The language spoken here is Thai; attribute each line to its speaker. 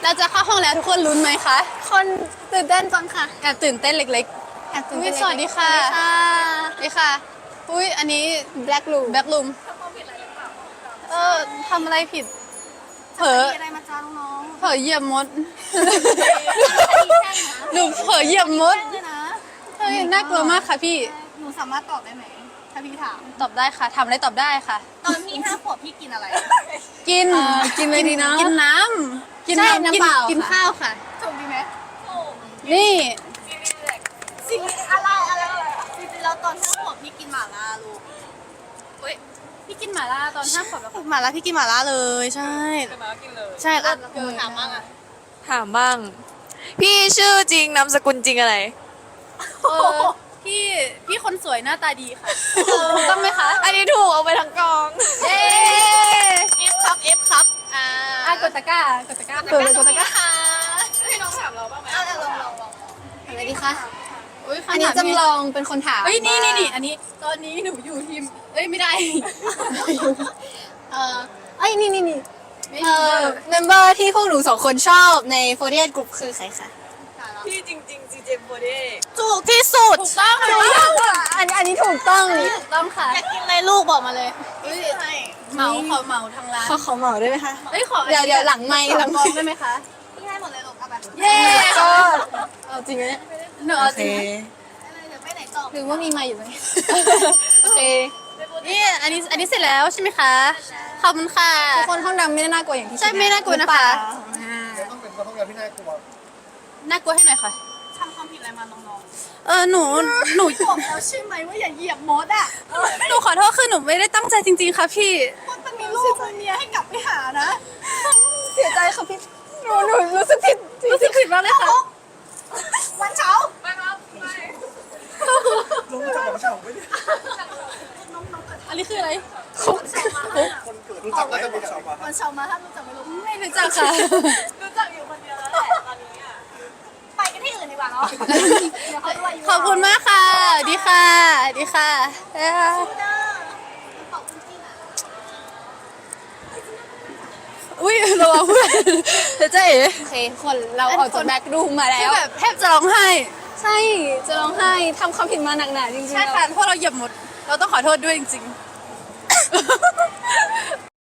Speaker 1: เราจะเข้าห้องแล้วทุกคนลุ้นไหมคะ
Speaker 2: คนตื่นเต้นจังค่ะ
Speaker 1: แอบตื่นเต้นเล็ก
Speaker 2: แอบตื่น
Speaker 1: อุ๊
Speaker 2: เต้
Speaker 1: ย
Speaker 2: น
Speaker 1: สวัสดีค่ะ ๆนี่ค่ะ อุ้ยอันนี้
Speaker 2: แบล็กลู
Speaker 1: แบ็คลุมทำอะไรผิด เผลอ
Speaker 2: อะไรมาจ้าน้อง
Speaker 1: เผลอเหยียบมด
Speaker 2: ๆ
Speaker 1: หนูเผลอเหยียบมด
Speaker 2: เลยนะ
Speaker 1: เฮ้ยน่ากลัวมากค่ะพี่
Speaker 2: หนูสามารถตอบได้ไหมถ้าพี่ถาม
Speaker 1: ตอบได้ค่ะทำอะไรตอบได้ค่ะ
Speaker 2: ตอนพี่5 ขวบพี่กินอะไร
Speaker 1: กิน
Speaker 2: กินอะไรดีนะ
Speaker 1: กินน้ำกิน
Speaker 2: ใช่
Speaker 1: น้ำ
Speaker 2: น้ำเปล่า
Speaker 1: กิน
Speaker 2: ค่ะ
Speaker 1: ข้าวค่ะ
Speaker 2: ถูกดีไหม
Speaker 1: นี่
Speaker 2: สิ่งอะไรจริงๆแล้วตอน5 ขวบพี่กินหม่าล่าลูก
Speaker 1: พี่กินหม่าล่าตอน5 ขวบแล้วค่ะ
Speaker 2: หม่าล่าพี่กินหม่าล่าเลยใช่ใช่แล้วถามบ้างอะ
Speaker 3: ถามบ้าง พี่ชื่อจริงนามสกุลจริงอะไร
Speaker 1: เออพี่คนสวยหน้าตาดีค่ะถูกต้องไหมคะ
Speaker 3: อันนี้ถูกเอาไปทั้งกอง
Speaker 1: เย้
Speaker 2: F ครับ F ครับ
Speaker 1: กดตะกร้ากดตะกร้า
Speaker 2: เปิดเลยกดตะกร้า
Speaker 3: ให้น้องถามเราบ้างไหม
Speaker 2: เอาลองอะไรดีคะ
Speaker 1: อุ๊ย
Speaker 2: อันนี้
Speaker 1: คำถาม
Speaker 2: จำลองเป็นคนถาม
Speaker 1: เฮ้ยนี่อันนี้ตอนนี้หนูอยู่ทีมไม่ได้
Speaker 2: เอ้ยนี่
Speaker 1: ไม่
Speaker 2: เมมเบอร์ที่พวกหนู2 คนชอบใน48 Group คือใครคะ
Speaker 3: พี่จริงๆ CJ โบเด
Speaker 2: ถูกที่สุด
Speaker 1: ถูกต้องค่ะ
Speaker 2: อันนี้ถูกต้อง
Speaker 1: ถูกต้องค่ะ
Speaker 2: อยากกินอะไรลูกบอกมาเลย
Speaker 1: เฮ้ยเหมาขอเหมาทางร้าน
Speaker 2: เขาเหมาได้ไหมคะ
Speaker 1: เฮ้ยขอ
Speaker 2: เดี๋ยวหลังไมค์
Speaker 1: หลังกองได้ไหมคะ
Speaker 2: พี่ให้หมดเลยลูกเอาไป
Speaker 1: เย้
Speaker 2: ก็เอาจริงไหม
Speaker 1: หนูเอาจริง
Speaker 2: เดี๋ยวไปไหนต่อหรือว่ามีไมค์อยู่ไหม
Speaker 1: โอเคนี่อันนี้เสร็จแล้วใช่ไหมคะขอบคุณค่ะ
Speaker 2: ทุกคนห้องดำไม่ได้น่ากลัวอย่างที่
Speaker 1: ใช่ไม่น่ากลัวนะคะ
Speaker 4: ต้องเป็นคนห้องน้ำที่น่ากลัว
Speaker 1: น่ากลัวให้หน่อยค่ะ
Speaker 2: ทำความผิดอะไรมาน้อง
Speaker 1: หนู
Speaker 2: บอกแล้วใช่ไหมว่าอย่าเหยียบมดอ่ะ
Speaker 1: หนูขอโทษคือหนูไม่ได้ตั้งใจจริงๆค่ะพี่
Speaker 2: คนจะมีลูกมีเมียให้กลับไปหานะ เสียใจค่ะพี่หนูรู้สึกผิด
Speaker 1: รู้สึกผิดมากเลยค่ะ
Speaker 2: วันเช้า
Speaker 4: ลงจากเฉาไม่ได้
Speaker 1: อันนี้คืออะไร
Speaker 4: คนเกิดรู้จักไหมบอกเฉาปะ
Speaker 2: วันเช้ามาถ้ารู้จักไม่รู้
Speaker 1: ไม่รู้จักค่ะ
Speaker 2: รู้จักอยู่คนเดียวแล้วแหละตอนนี้อ่ะไปกันที่อื่นดีกว่าเนาะ
Speaker 1: ขอบคุณมากค่ะ ดีค่ะดีค่ะ อุ้ยระวังเพื่อนเดี๋ยวเจ๊เอ๋
Speaker 2: โอเคคนเราออกจากแบ็กรูมมาแล้
Speaker 1: คือ
Speaker 2: ว
Speaker 1: แบบแทบจะร้องไห้
Speaker 2: ใช่จะร้องไห้ทำความผิดมาหนักหนาจริงๆ
Speaker 1: ใช่ค่ะเพราะเราเหยียบหมด เราต้องขอโทษด้วยจริง